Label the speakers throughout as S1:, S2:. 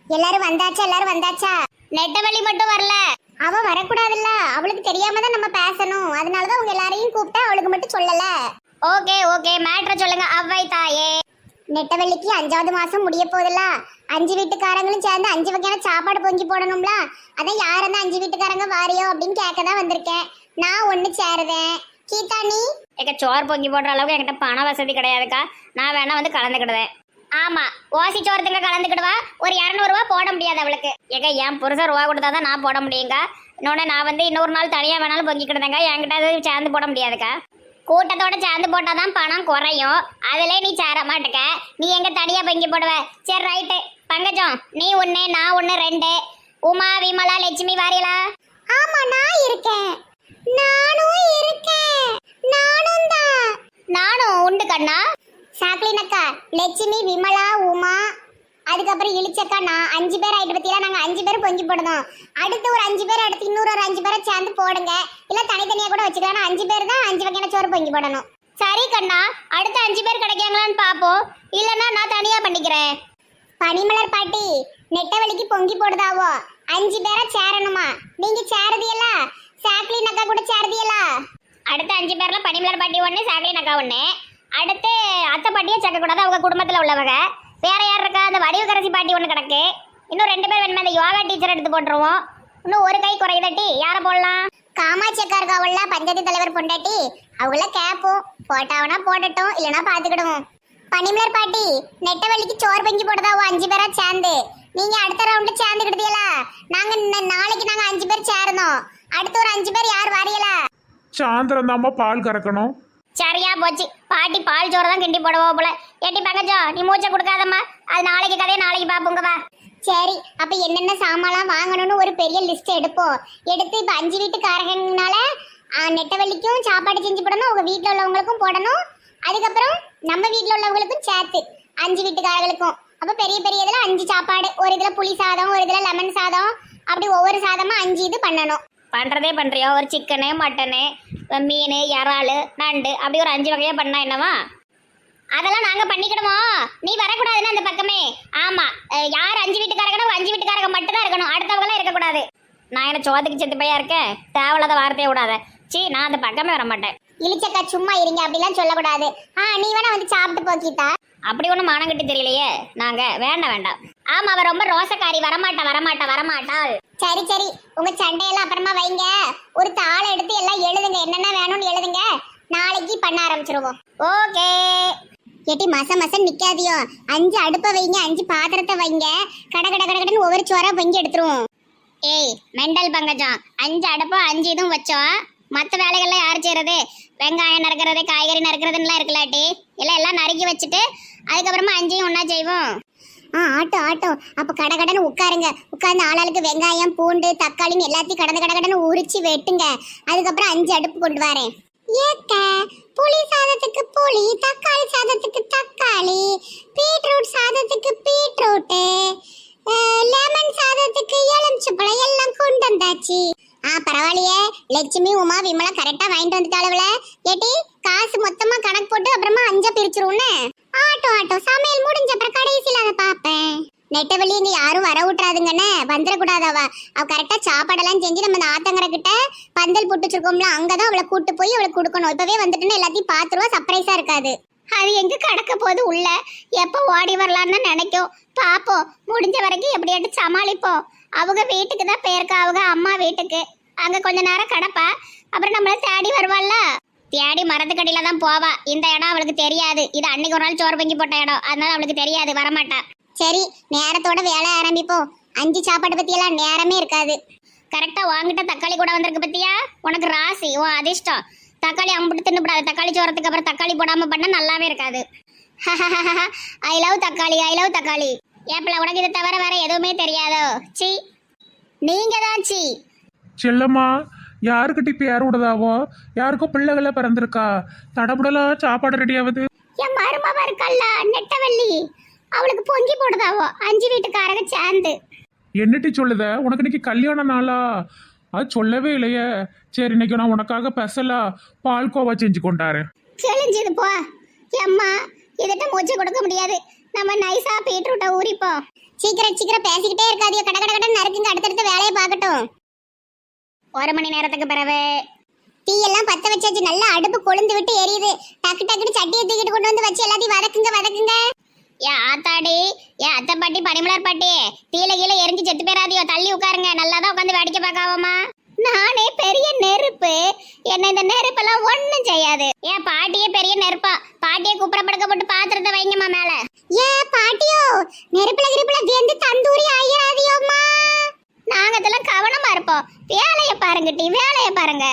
S1: எல்லாரும் வந்தாச்சா? எல்லாரும் வந்தாச்சா?
S2: நெட்டவழி மட்டும் வரல.
S1: அவ வரக்கூடாதுல்ல, அவளுக்கு தெரியாம தான் நம்ம பேசணும். அதனாலதான் உங்க எல்லாரையும் கூப்பிட்டா அவளுக்கு மட்டும் சொல்லல.
S2: ஓகே ஓகே, மேட்ரை சொல்லுங்க அவ்வை தாயே.
S1: நெட்டவள்ளிக்கு 5வது மாசம் முடிய போகுதுல்ல. 5 வீட்டுக்காரங்களும் சேர்ந்து 5 வகையான சாப்பாடு பொங்கி போடணும்ல. அதான் யார் அந்த 5 வீட்டுக்காரங்க வாரியோ அப்படின்னு கேட்க தான் வந்திருக்கேன். நான் ஒண்ணு சேருதேன். கீதா நீ?
S2: ஏக்கா சோறு பொங்கி போடுற அளவுக்கு என்கிட்ட பண வசதி கிடையாதுக்கா. நான் வேணா வந்து கலந்துக்கிடுவேன். ஆமா, ஓசி சோரத்துக்கு கலந்துக்கிடுவா. ஒரு 200 ரூபா போட முடியாது அவளுக்கு. ஏக்கா என் புருஷன் ரூபா கொடுத்தா தான் நான் போட முடியுங்க. இன்னொன்று நான் வந்து இன்னொரு நாள் தனியாக வேணாலும் பொங்கிக்கிடுதேங்க. என்கிட்ட அது சேர்ந்து போட முடியாதுக்கா. கூட்டத்தோட சேர்ந்து போட்டாதான் பணம் குறையும். அதுல நீ சேர மாட்டேக்க. நீ எங்க தனியா பொங்கி போடுவ? சரி ரைட்டு. பங்கஜம் நீ 1, நான் 1, 2. உமா, விமலா, லட்சுமி வாரியலா?
S1: ஆமா, நான் இருக்கேன். நானும் இருக்கேன். நானும் தான்.
S2: நானும் உண்டு கண்ணா.
S1: சாக்லினக்கா, லட்சுமி, விமலா, உமா, அதுக்கப்புறம் இளிச்சக்கா, நான் 5 பேர் ஆயிட்டு பத்தியா. நாங்க 5 பேர் பொங்கி போடணும். அடுத்து ஒரு 5 பேர், அடுத்து இன்னொரு ஒரு 5 பேரை சேர்ந்து போடுங்க. இல்ல தனித்தனியா கூட வச்சுக்கலாம். 5 பேர் தான் 5 வகையான சோறு பொங்கி போடணும்.
S2: சரி கண்ணா, அடுத்த 5 பேர் கிடைக்காங்களான்னு பாப்போம். இல்லன்னா நான் தனியா பண்ணிக்கிறேன்.
S1: பனிமலர் பாட்டி, நெட்டவழிக்கு பொங்கி போடுதாவோ. 5 பேரா சேரணுமா? நீங்க சேருதியலா? சாக்லினக்கா கூட சேருதியலா?
S2: அடுத்த 5 பேர்ல பனிமலர் பாட்டி 1, சாக்லின் அக்கா 1. அடுத்து அத்தை பாட்டியை சேர்க்கக்கூடாது, அவங்க குடும்பத்தில் உள்ளவங்க. வேற யார் இருக்கா? அந்த வடிவகரசி பாட்டி 1 கிடக்கு. இன்னும் 2 பேர் வேணுமே. அந்த யோகா டீச்சர் எடுத்து போட்டுருவோம். இன்னும் ஒரு கை குறையுதட்டி. யாரை போடலாம்?
S1: காமாட்சி அக்கா இருக்காவுல, பஞ்சாயத்து தலைவர் பொண்டாட்டி. அவங்கள கேட்போம். போட்டாவனா போடட்டும், இல்லைன்னா பாத்துக்கிடுவோம். பனிமலர் பாட்டி, நெட்டவழிக்கு சோறு பொங்கி போடுதாவோ 5 பேரா சேர்ந்து. நீங்க அடுத்த ரவுண்டு சேர்ந்துக்கிட்டீங்களா? நாளைக்கு நாங்க 5 பேர் சேரணும். அடுத்து ஒரு 5 பேர் யார் வாரியலா?
S3: சாயந்தரம் தாம்மா பால் கறக்கணும்.
S2: சரியா போச்சு. பாட்டி பால் சோறு தான் கிண்டி போடுவோம் போல. ஏட்டி பங்கஜம் நீ மூச்சை கொடுக்காதம்மா. அது நாளைக்கு கதையை நாளைக்கு பாப்போங்க வா.
S1: சரி, அப்ப என்னென்ன சாமான்லாம் வாங்கணும்னு ஒரு பெரிய லிஸ்ட் எடுப்போம். எடுத்து இப்ப 5 வீட்டுக்காரங்கனால நெட்டவள்ளிக்கும் சாப்பாடு செஞ்சு போடணும், உங்க வீட்டுல உள்ளவங்களுக்கும் போடணும். அதுக்கப்புறம் நம்ம வீட்டுல உள்ளவங்களுக்கும் சேர்த்து 5 வீட்டுக்காரர்களுக்கும். அப்ப பெரிய பெரிய இதுல 5 சாப்பாடு. ஒரு இதுல புளி சாதம், ஒரு இதுல லெமன் சாதம், அப்படி ஒவ்வொரு சாதமா 5 இது பண்ணணும்.
S2: பண்றதே பண்றியா? ஒரு சிக்கனு, மட்டனு, மீன், இறால், நண்டு, அப்படி ஒரு 5 வகையா பண்ணா என்னவா? அதெல்லாம் நாங்க பண்ணிக்கிடுமோ. நீ வரக்கூடாதுன்னு அந்த பக்கமே. ஆமா, யார் 5 வீட்டுக்காரங்கன்னா 5 வீட்டுக்காரங்க மட்டும் தான் இருக்கணும். அடுத்தவங்களாம் இருக்கக்கூடாது. நான் என்ன சோத்துக்கு செத்து பையா இருக்கேன்? தேவையில்லாத வார்த்தையை விடாத. சீ, நான் அந்த பக்கமே வர மாட்டேன்.
S1: இளிச்சக்கா சும்மா இருங்க, அப்படிலாம் சொல்லக்கூடாது. நீ வேணா வந்து சாப்பிட்டு போக்கிட்டா.
S2: அப்படி ஒன்றும் மானம் கட்டி தெரியலையே. நாங்க வேண்டாம் வேண்டாம். ஆமா, அவ ரொம்ப ரோசக்காரி. வரமாட்டாள்.
S1: சரி சரி, உங்க சண்டையெல்லாம் அப்புறமா வைங்க. ஒரு தாளை எடுத்து எல்லாம் எழுதுங்க, என்னென்ன வேணும்னு எழுதுங்க. நாளைக்கு பண்ண ஆரம்பிச்சிருவோம்.
S2: ஓகே.
S1: ஏட்டி மசம் நிக்காதியோ. 5 அடுப்பை வைங்க, 5 பாத்திரத்தை வைங்க. கடன்னு ஒவ்வொரு சோறா பொங்கி எடுத்துருவோம்.
S2: ஏய் மெண்டல் பங்கஜம், 5 அடுப்பா 5 இதுவும் வச்சோம். மற்ற வேலைகள்லாம் யார் செய்யறது? வெங்காயம் நறுக்கிறது, காய்கறி நறுக்கிறதுலாம் இருக்கலாட்டி எல்லாம் நறுக்கி வச்சுட்டு அதுக்கப்புறமா 5ஐயும் ஒன்றா செய்வோம்.
S1: ஆட்டோ. அப்ப கடன்னு உட்காருங்க. உட்கார்ந்து ஆளாளுக்கு வெங்காயம், பூண்டு, தக்காளின்னு எல்லாத்தையும் கடன்னு உரிச்சு வெட்டுங்க. அதுக்கப்புறம் 5 அடுப்பு கொண்டு வரேன். ஏக்க புளி சாதத்துக்கு புளி, தக்காளி சாதத்துக்கு தக்காளி, பீட்ரூட் சாதத்துக்கு பீட்ரூட்டு, லெமன் சாதத்துக்கு எலுமிச்சப்பழம் எல்லாம் கொண்டு வந்தாச்சு. பரவாயில்லையே. லட்சுமி, உமா, விமலா கரெக்டா வாங்கிட்டு வந்துட்டாளுவல. ஏட்டி காசு மொத்தமா கணக்கு போட்டு அப்புறமா 5 பிரிச்சிருவோன்னு. ஆட்டோ சமையல் முடிஞ்ச அப்புறம் கடைசியில அதை பாப்பேன். நெட்டவள்ளி இங்க யாரும் வர விட்டுறாதுங்கன்னு. வந்துடக்கூடாதவ. அவ கரெக்டா சாப்பாடெல்லாம் செஞ்சு நம்ம இந்த ஆத்தங்கரை கிட்ட பந்தல் போட்டு வச்சிருக்கோம்ல, அங்கதான் அவளை கூட்டு போய் அவளுக்கு கொடுக்கணும். இப்பவே வந்துட்டுன்னு எல்லாத்தையும் பாத்துருவா. சர்ப்ரைஸா இருக்காது.
S2: அது எங்க கடக்க போது உள்ள எப்போ ஓடி வரலான்னு நினைக்கும். பாப்போம், முடிஞ்ச வரைக்கும் எப்படியாட்டு சமாளிப்போம். அவங்க வீட்டுக்கு தான் போயிருக்கா, அவங்க அம்மா வீட்டுக்கு. அங்க கொஞ்ச நேரம் கடப்பா, அப்புறம் நம்மள தேடி வருவாள்ல. தேடி மரத்துக்கடியில தான் போவா. இந்த இடம் அவளுக்கு தெரியாது. இது அன்னைக்கு ஒரு நாள் சோறு பொங்கி போட்ட இடம், அதனால அவளுக்கு தெரியாது, வரமாட்டா.
S1: சரி, நேரத்தோட வேலை ஆரம்பிப்போம். 5 சாப்பாடு பத்தி எல்லாம் நேரமே இருக்காது.
S2: கரெக்டா வாங்கிட்ட தக்காளி கூட வந்திருக்கு பத்தியா? உனக்கு ராசி, உன் அதிர்ஷ்டம். தக்காளி அம்பிட்டு தின்னுப்படாது. தக்காளி சோறத்துக்கு அப்புறம் தக்காளி போடாம பண்ண நல்லாவே இருக்காது. ஐ லவ் தக்காளி. ஏப்பில உனக்கு இதை தவிர வேற எதுவுமே தெரியாதோ? சி, நீங்க தான் சி.
S3: செல்லம்மா, யாருக்கிட்ட பேர் விடுதாவோ? யாருக்கும் பிள்ளைகள பிறந்திருக்கா? தடபுடலாம் சாப்பாடு ரெடி ஆகுது.
S2: என் மருமவ இருக்கல்ல நெட்டவள்ளி, அவளுக்கு பொங்கி போடுதாவோ 5 வீட்டுக்காரங்க சேர்ந்து.
S3: என்னட்டி சொல்லுத? உனக்கு இன்னைக்கு கல்யாண நாளா? அது சொல்லவே இல்லையே. சரி, இன்னைக்கு நான் உனக்காக ஸ்பெஷலா பால்கோவா செஞ்சு கொண்டாரேன்.
S2: கிழிஞ்சது போ. எம்மா, இதட்ட மூச்சு கொடுக்க முடியாது.
S1: நம்ம நைஸா பீட்ரூட்டை ஊறிப்போம். சீக்கிரம் சீக்கிரம் பேசிக்கிட்டே இருக்காதியோ, கட கட கடன்னு நறுக்குங்க, அடுத்தடுத்த வேலையை பார்க்கட்டும்.
S2: 1 மணி நேரத்துக்கு பிறகு
S1: தீயெல்லாம் பத்த வச்சாச்சு, நல்லா அடுப்பு கொழுந்து விட்டு எரியுது. டக்கு டக்குன்னு சட்டியை தூக்கிட்டு கொண்டு வந்து வச்சு எல்லாத்தையும் வதக்குங்க வதக்குங்க.
S2: ஏன் ஆத்தாடி, ஏன் அத்தை பாட்டி, பனிமலர் பாட்டி, தீல கீழே எரிஞ்சு செத்து போயிடாதியோ, தள்ளி உட்காருங்க. நல்லா தான் உட்காந்து வேடிக்கை பார்க்காவமா.
S1: நானே பெரிய நெருப்பு, என்ன இந்த நெருப்பெல்லாம் ஒண்ணும் செய்யாது.
S2: ஏன் பாட்டியே பெரிய நெருப்பா, பாட்டியை குப்புற படுக்க போட்டு பாத்திரத்தை வைங்கம்மா மேல.
S1: ஏன் பாட்டியோ, நெருப்புல கிருப்புல வெந்து தந்தூரி ஆயிராதியோம்மா.
S2: நாங்க இதெல்லாம் கவனமா இருப்போம். வேலையை பாருங்க டி, வேலையை பாருங்க.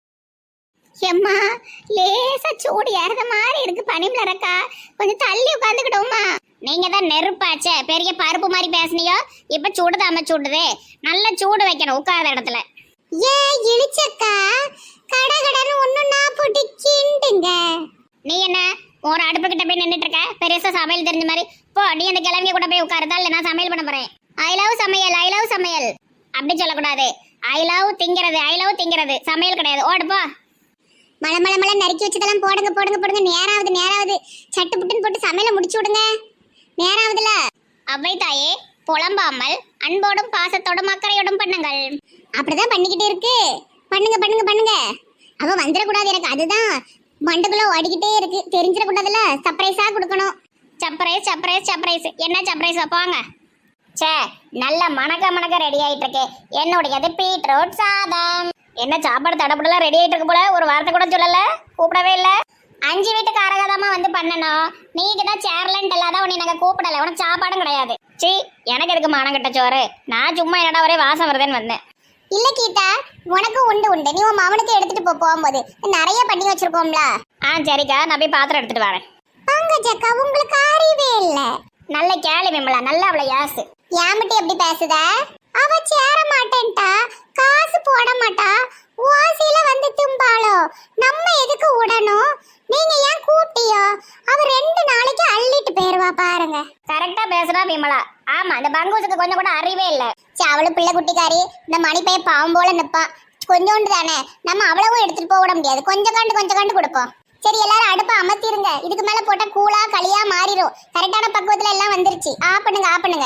S1: எம்மா லேசா சூடு ஏறத மாதிரி இருக்கு பனிமலரக்கா, கொஞ்சம் தள்ளி உட்காந்துக்கிட்டோம்மா.
S2: நீங்க தான் நெருப்பாச்சே, பெரிய பருப்பு மாதிரி பேசுனியோ, இப்ப சூடுதாம சூடுது. நல்லா சூடு வைக்கணும் உட்கார்ந்த இடத்துல.
S1: ஏன் இழிச்சக்கா, கட கடன்னு ஒண்ணுன்னா போட்டு கிண்டுங்க.
S2: நீ என்ன ஒரு அடுப்பு கிட்ட போய் நின்றுட்டு இருக்க, பெருசா சமையல் தெரிஞ்ச மாதிரி? போ, நீ அந்த கிழவிய கூட போய் உட்காருதா, இல்லை நான் சமையல் பண்ண போறேன். ஐ லவ் சமையல், ஐ லவ் சமையல் அப்படி சொல்லக்கூடாது. ஐ லவ் திங்கிறது, ஐ லவ் திங்கிறது, சமையல் கிடையாது. ஓடுப்போ.
S1: மலை மலை மலை நறுக்கி வச்சதெல்லாம் போடுங்க போடுங்க போடுங்க. நேராவது நேராவது, சட்டு புட்டுன்னு போட்டு சமையலை முடிச்சு விடுங்க. நேராவதுல
S2: அவ்வை தாயே, புலம்பாமல் அன்போடும் பாசத்தோடும் அக்கறையோடும் பண்ணுங்கள்.
S1: அப்படிதான் பண்ணிக்கிட்டு இருக்கு. பண்ணுங்க பண்ணுங்க பண்ணுங்க. அவ வந்துடக்கூடாது எனக்கு, அதுதான் மண்டுக்குள்ள ஓடிக்கிட்டே இருக்கு. தெரிஞ்சிடக்கூடாதுல, சர்ப்ரைஸா கொடுக்கணும்.
S2: Surprise surprise surprise. என்ன சர்ப்ரைஸ் வைப்பாங்க? சே, நல்ல மணக்க மணக்க ரெடி ஆயிட்டு இருக்கு. என்னுடையது பீட்ரூட் சாதம். என்ன சாப்பாடு தடப்படலாம் ரெடி ஆயிட்டு இருக்கு போல, ஒரு வார்த்தை கூட சொல்லல, கூப்பிடவே இல்லை. 5 வீட்டு காரகதாமா வந்து பண்ணணும். நீங்க தான் சேர்லன்ட்டு இல்லாத உன்னை நாங்கள் கூப்பிடல, உனக்கு சாப்பாடும் கிடையாது. சி, எனக்கு எதுக்கு மானம் கட்ட சோறு? நான் சும்மா என்னடா ஒரே வாசம் வருதுன்னு வந்தேன்.
S1: இல்ல கீதா, உனக்கும் உண்டு உண்டு. நீ உன் மவனுக்கு எடுத்துட்டு போகும்போது நிறைய பண்ணி வச்சிருக்கோம்ல.
S2: சரிக்கா, நான் போய் பாத்திரம் எடுத்துட்டு வரேன்.
S1: பங்கஜக்கா, உங்களுக்கு அறிவே இல்ல.
S2: நல்ல கேளு விமலா, நல்ல அவளை யாசு.
S1: ஏமிட்டி எப்படி பேசுத? அவ சேர மாட்டேன்ட்டா, காசு போட மாட்டா, ஓசியில வந்து தும்பாளோ. நம்ம எதுக்கு விடணும்? நீங்க ஏன் கூட்டியோ? அவ 2 நாளைக்கு அள்ளிட்டு போயிருவா பாருங்க.
S2: கரெக்டா பேசுறா விமலா. ஆமா, இந்த பங்கூசுக்கு கொஞ்சம் கூட அறிவே இல்ல.
S1: அவளு பிள்ளை குட்டிக்காரி, இந்த மணிப்பைய பாவம் போல நிப்பா. கொஞ்சோண்டு தானே, நம்ம அவ்வளவும் எடுத்துட்டு போக விட முடியாது. கொஞ்சம் கண்டு கொடுப்போம். சரி, எல்லாரும் அடுப்பை அமர்த்திருங்க. இதுக்கு மேல போட்டா கூழா களியா மாறிடும். கரெக்டான பக்குவத்துல எல்லாம் வந்துருச்சு. ஆஃப் பண்ணுங்க ஆஃப் பண்ணுங்க.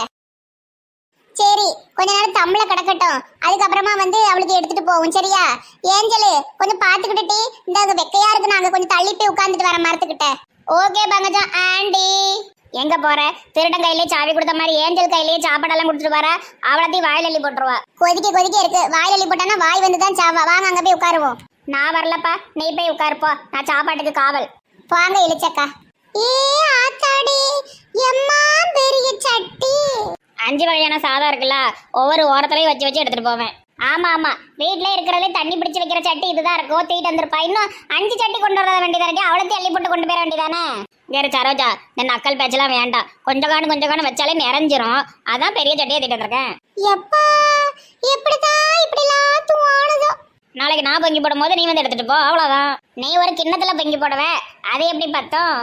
S1: சரி, கொஞ்ச நேரம் தம்ள கிடக்கட்டும். அதுக்கப்புறமா வந்து அவளுக்கு எடுத்துட்டு போவோம். சரியா? ஏஞ்சலு, கொஞ்சம் பாத்துக்கிட்டு இந்த வெக்கையா இருக்கு, நாங்க கொஞ்சம் தள்ளி போய் உட்கார்ந்துட்டு வர மரத்துக்கிட்ட.
S2: Okay Pankajam aunty. எங்க போற? திருடன் கையிலேயே சாவி கொடுத்த மாதிரி ஏஞ்சல் கையிலேயே சாப்பாடெல்லாம் கொடுத்துட்டு வர. அவளத்தையும் வாயில் அள்ளி போட்டுருவா.
S1: கொதிக்க இருக்கு. வாயில் அள்ளி போட்டானா வாய் வந்து தான் சாவா. வாங்க அங்க போய் உட்காருவோம்.
S2: நான் வரலப்பா, நீ போய் உட்காருப்போ, நான் சாப்பாட்டுக்கு காவல்.
S1: வாங்க இழிச்சக்கா. ஏ ஆத்தாடி, எம்மா பெரிய சட்டி.
S2: 5 வகையான சாதம் இருக்குல்ல, ஒவ்வொரு ஓரத்துலையும் வச்சு வச்சு எடுத்துட்டு போவேன். ஆமா ஆமா, வீட்ல இருக்கிறதே தண்ணி பிடிச்சு வைக்கிற சட்டி இதுதான் இருக்கும். தீட்டு வந்திருப்பா. இன்னும் 5 சட்டி கொண்டு வர வேண்டியதா இருக்கு. அவளத்தையும் அள்ளி போட்டு கொண்டு போயிட வேண்டியதானே. வேறு சரோஜா, இந்த நக்கல் பேச்செல்லாம் வேண்டாம். கொஞ்சம் காணு வச்சாலே நிறைஞ்சிரும். அதான் பெரிய சட்டியை தீட்டு வந்திருக்கேன்.
S1: எப்பா, எப்படிதான் இப்படிலாம் தோணுதோ.
S2: நாளைக்கு நான் பொங்கி போடும் போது நீ வந்து எடுத்துட்டு போ, அவ்வளவுதான். நீ ஒரு கிண்ணத்துல பொங்கி போடுவ, அது எப்படி பத்தும்?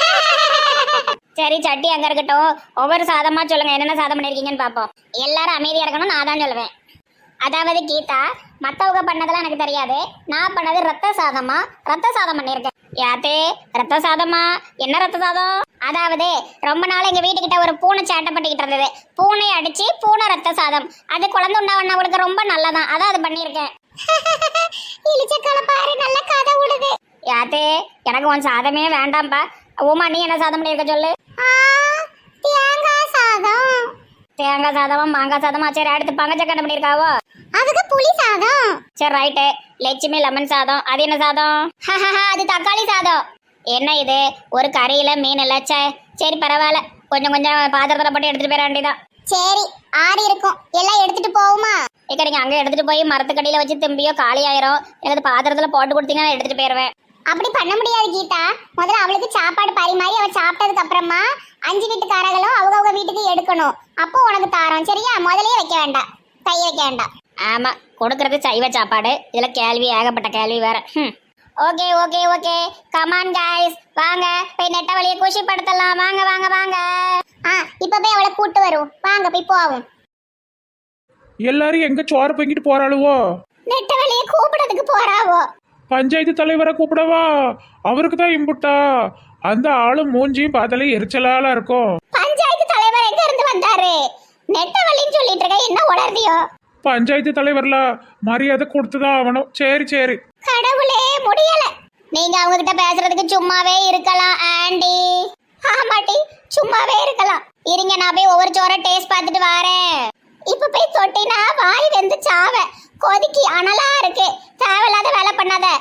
S2: சரி, சட்டி அங்க இருக்கட்டும். ஒவ்வொரு சாதமா சொல்லுங்க, என்னென்ன சாதம் பண்ணிருக்கீங்கன்னு பாப்போம். எல்லாரும் அமைதியா இருக்கணும், நான் தான் சொல்லுவேன். அதாவது கீதா, மத்தவங்க பண்ணதெல்லாம் எனக்கு தெரியாது. நான் பண்ணது ரத்த சாதமா, ரத்த சாதம் பண்ணியிருக்கேன். யாத்தே, ரத்த சாதமா? என்ன ரத்த சாதம்? அதாவது ரொம்ப நாள் எங்க வீட்டுக்கிட்ட ஒரு பூனை சேட்டை பண்ணிக்கிட்டு இருந்தது. பூனை அடிச்சு பூனை ரத்த சாதம். அது குழந்தை உண்டாவண்ணவங்களுக்கு ரொம்ப நல்லதான், அதான் அது பண்ணியிருக்கேன்.
S1: இழிச்சக்கால பாரு, நல்ல கதை விடுது.
S2: யாத்தே, எனக்கு உன் சாதமே வேண்டாம்பா. உமா, நீ என்ன சாதம் பண்ணியிருக்க சொல்லு.
S1: தேங்காய் சாதம்.
S2: தேங்காய் சாதமா, மாங்காய் சாதமா? சரி, அடுத்து பங்கச்சக்கரை பண்ணியிருக்காவோ?
S1: அதுக்கு புளி சாதம்.
S2: சரி, ரைட்டு. லட்சுமி லெமன் சாதம். அது என்ன சாதம்? அது தக்காளி சாதம். என்ன இது, ஒரு கறியில மீன் இல்ல? சரி பரவாயில்ல, கொஞ்சம் பாத்திரத்துல போட்டு எடுத்துட்டு போயிட வேண்டியதான்.
S1: சரி, ஆறி இருக்கும், எல்லாம் எடுத்துட்டு போவோமா?
S2: இக்க நீங்க அங்க எடுத்துட்டு போய் மரத்துக்கடியில வச்சு திரும்பியோ காலி ஆயிரும். எனக்கு பாத்திரத்துல போட்டு கொடுத்தீங்கன்னா நான் எடுத்துட்டு போயிருவேன்.
S1: அப்படி பண்ண முடியாது கீதா. முதல்ல அவளுக்கு சாப்பாடு பரிமாறி அவ சாப்பிட்டதுக்கு அப்புறமா 5 வீட்டுக்காரங்களும் அவங்க வீட்டுக்கு எடுக்கணும். அப்போ உனக்கு தாரோம். சரியா? முதலே வைக்க வேண்டாம், கை வைக்க வேண்டாம்.
S2: ஆமா, கொடுக்கறது சைவ சாப்பாடு. இதுல கேள்வி, ஏகப்பட்ட கேள்வி வேற. Okay okay okay, come on guys, வாங்க போய் நெட்ட வழியை குஷிப்படுத்தலாம். வாங்க வாங்க வாங்க.
S1: இப்ப போய் அவளை கூட்டு வரும். வாங்க போய் போவோம்.
S3: எல்லாரும் எங்க சோறு பொங்கிட்டு போறாளுவோ?
S1: நெட்ட வழியை கூப்பிடறதுக்கு போறாவோ?
S3: பஞ்சாயத்து தலைவரை கூப்பிடவா? அவருக்கு தான் இம்புட்டா. அந்த ஆளு மூஞ்சியும் பார்த்தாலே எரிச்சலால இருக்கும்.
S2: நெட்டவள்ளின்னு சொல்லிட்டு இருக்க, என்ன உளர்தியோ?
S3: பஞ்சாயத்து தலைவர்ல மரியாதை கொடுத்துதான் ஆகணும். சரி சரி.
S2: கடவுளே, முடியல. நீங்க அவங்க கிட்ட பேசுறதுக்கு சும்மாவே இருக்கலாம் ஆண்டி. ஆமாட்டி, சும்மாவே இருக்கலாம். இருங்க, நான் போய் ஒவ்வொரு சோற டேஸ்ட் பார்த்துட்டு வரேன். இப்ப போய் தொட்டினா வாய் வெந்து சாவ. கொதிக்கி அனலா இருக்கு. தேவையில்லாத வேலை பண்ணாத.